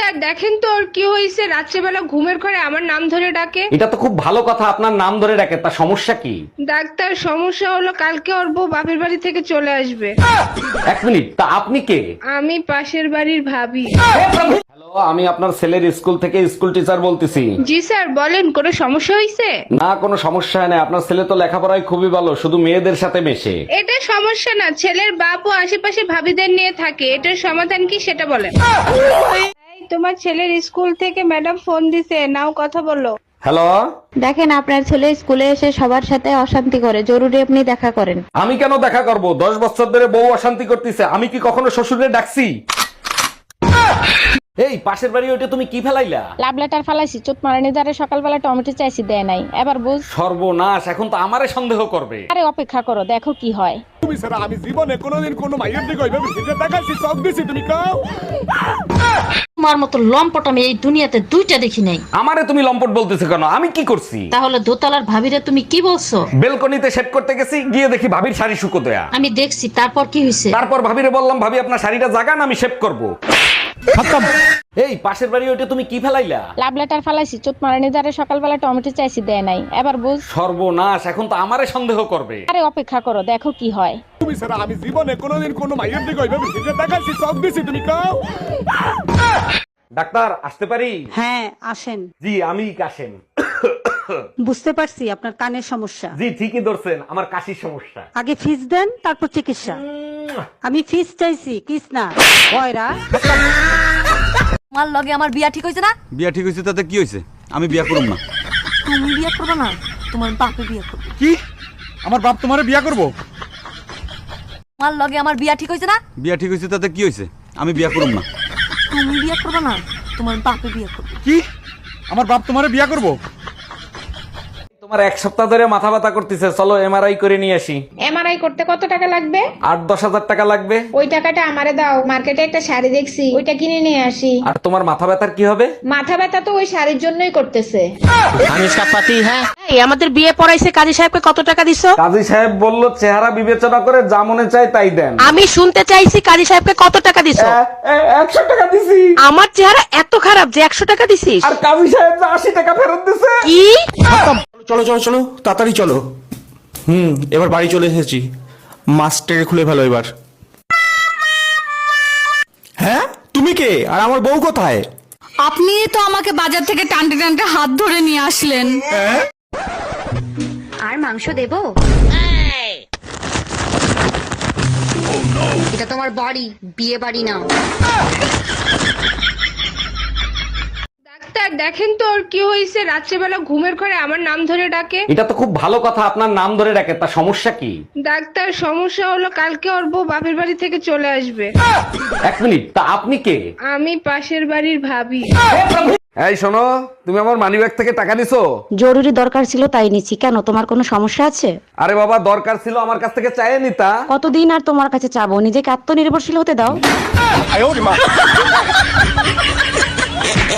Doctor দেখেন তো ওর কি হয়েছে, রাত্রেবেলা ঘুমের ঘরে আমার নাম ধরে ডাকে। এটা তো খুব ভালো কথা, আপনার নাম ধরে ডাকে, তা সমস্যা কি? ডাক্তার সমস্যা হলো কালকে ওর বউ বাপের বাড়ি থেকে চলে আসবে। এক মিনিট, তা আপনি কে? আমি পাশের বাড়ির ভাবি। হ্যালো, আমি আপনার ছেলের স্কুল থেকে স্কুল টিচার বলতেছি। জি স্যার বলেন, কোনো সমস্যা হয়েছে? না, কোনো সমস্যা নেই, আপনার ছেলে তো লেখাপড়ায় খুবই ভালো, শুধু মেয়েদের সাথে মেশে। এটা সমস্যা না, ছেলের বাপ ও আশেপাশে ভাবিদের নিয়ে থাকে, এটার সমাধান কি সেটা বলেন। এই, তোমার ছেলের স্কুল থেকে ম্যাডাম ফোন দিছে, নাও কথা বলো। হ্যালো, দেখেন আপনার ছেলে স্কুলে এসে সবার সাথে অশান্তি করে, জরুরি আপনি দেখা করেন। আমি কেন দেখা করব? 10 বছর ধরে বউ অশান্তি করতেছে, আমি কি কখনো শ্বশুরে ডাকছি? এই পাশের বাড়ি ওইটা তুমি কি ফেলাইলা? লাভ লেটার ফালাইছি, চোট মারানি দ্বারা সকালবেলা টমেটো চাইছি, দেয় নাই, এবার বুঝ। সর্বনাশ, এখন তো আমারে সন্দেহ করবে। আরে অপেক্ষা করো, দেখো কি হয়। তুমি ছাড়া আমি জীবনে কোনোদিন কোনো মাইয়ের দিকে ওইভাবে ফিরে তাকাইছি, চোখ দিছি, তুমি কাও। তোমার মতো লম্পট আমি এই দুনিয়াতে দুইটা দেখি নাই। আমারে তুমি লম্পট বলতেছো কেন? আমি কি করছি? তাহলে দোতলার ভাবিরে তুমি কি বলছো? বেলকনিতে সেট করতে গেছি, গিয়ে দেখি ভাবির শাড়ি শুকো দেয়া। আমি দেখছি, তারপর কি হয়েছে? তারপর ভাবিরে বললাম, ভাবি আপনার শাড়িটা জাগান, আমি শেভ করব। এই পাশের বাড়ি ওইটা তুমি কি ফেলাইলা? লাভ লেটার ফালাইছি, চোট মারানি দ্বারা সকালবেলা টমেটো চাইছি, দেয় নাই, এবার বুঝ। সর্বনাশ, এখন তো আমারে সন্দেহ করবে। আরে অপেক্ষা করো, দেখো কি হয়। তুমি ছাড়া আমি জীবনে কোনোদিন কোনো মাইয়ের দিকে ওইভাবে ফিরে তাকাইছি, চোখ দিছি, তুমি কাও। ডাক্তার আসতে পারি? হ্যাঁ আসেন। জি, আমি কাশেম। বুঝতে পারছি আপনার কানের সমস্যা। জি ঠিকই ধরছেন, আমার কাশির সমস্যা। আগে ফিস দেন, তারপর চিকিৎসা। আমি ফিস চাইছি, কিস না। কয়রা তোমার লগে আমার বিয়া ঠিক হয়েছে না? বিয়া ঠিক হয়েছে তাতে কি হয়েছে? আমি বিয়া করব না। তুমি বিয়া করবে না, তোমার বাপে বিয়া করবে। কি? আমার বাপ তোমারে বিয়া করব? তোমার লগে আমার বিয়া ঠিক হয়েছে না? বিয়া ঠিক হয়েছে তাতে কি হয়েছে? আমি বিয়া করব না। তুমি বিয়া করবে না, তোমার বাপে বিয়া করবে। কি? আমার বাপ তোমারে বিয়া করব? তোমার 1 সপ্তাহ ধরে মাথা ব্যথা করতেছে, চলো এমআরআই করে নিয়ে আসি। এমআরআই করতে কত টাকা লাগবে? 8-10 হাজার টাকা লাগবে। ওই টাকাটা আমারে দাও, মার্কেটে একটা শাড়ি দেখছি, ওইটা কিনে নিয়ে আসি। আর তোমার মাথা ব্যথার কি হবে? মাথা ব্যথা তো ওই শাড়ির জন্যই করতেছে। এই আমাদের বিয়ে পড়াইছে, কাজী সাহেবকে কত টাকা দিছো? কাজী সাহেব বলল চেহারা বিবেচনা করে যা মনে চায় তাই দেন। আমি শুনতে চাইছি কাজী সাহেবকে কত টাকা দিছো? 100 টাকা দিছি। আমার চেহারা এত খারাপ যে 100 টাকা দিছিস? আর কাজী সাহেব যে 80 টাকা ফেরত দিছে। কি? চলো চলো চলো তাড়াতাড়ি চলো। এবার বাড়ি চলে এসেছি, মাস্টারে খুলে ফেলো এবার। হ্যাঁ তুমি কে, আর আমার বউ কোথায়? আপনি তো আমাকে বাজার থেকে টানতে টানতে হাত ধরে নিয়ে আসলেন। আর মাংস দেবো? এটা তোমার বাড়ি, বিয়ে বাড়ি না। ডাক্তার দেখেন তো ওর কি হয়েছে, রাত্রেবেলা ঘুমের ঘরে আমার নাম ধরে ডাকে। এটা তো খুব ভালো কথা, আপনার নাম ধরে ডাকে, তা সমস্যা কি? ডাক্তার সমস্যা হলো কালকে ওর বউ বাপের বাড়ি থেকে চলে আসবে। এক মিনিট, তা আপনি কে? আমি পাশের বাড়ির ভাবি। এই শোনো, তুমি আমার মানিব্যাগ থেকে টাকা নিছো? জরুরি দরকার ছিল তাই নিচ্ছি। কেন, তোমার কোনো সমস্যা আছে? আরে বাবা, দরকার ছিল আমার কাছ থেকে চাইয়ে নিতা। কতদিন আর তোমার কাছে চাবো? নিজেকে আত্মনির্ভরশীল হতে দাও।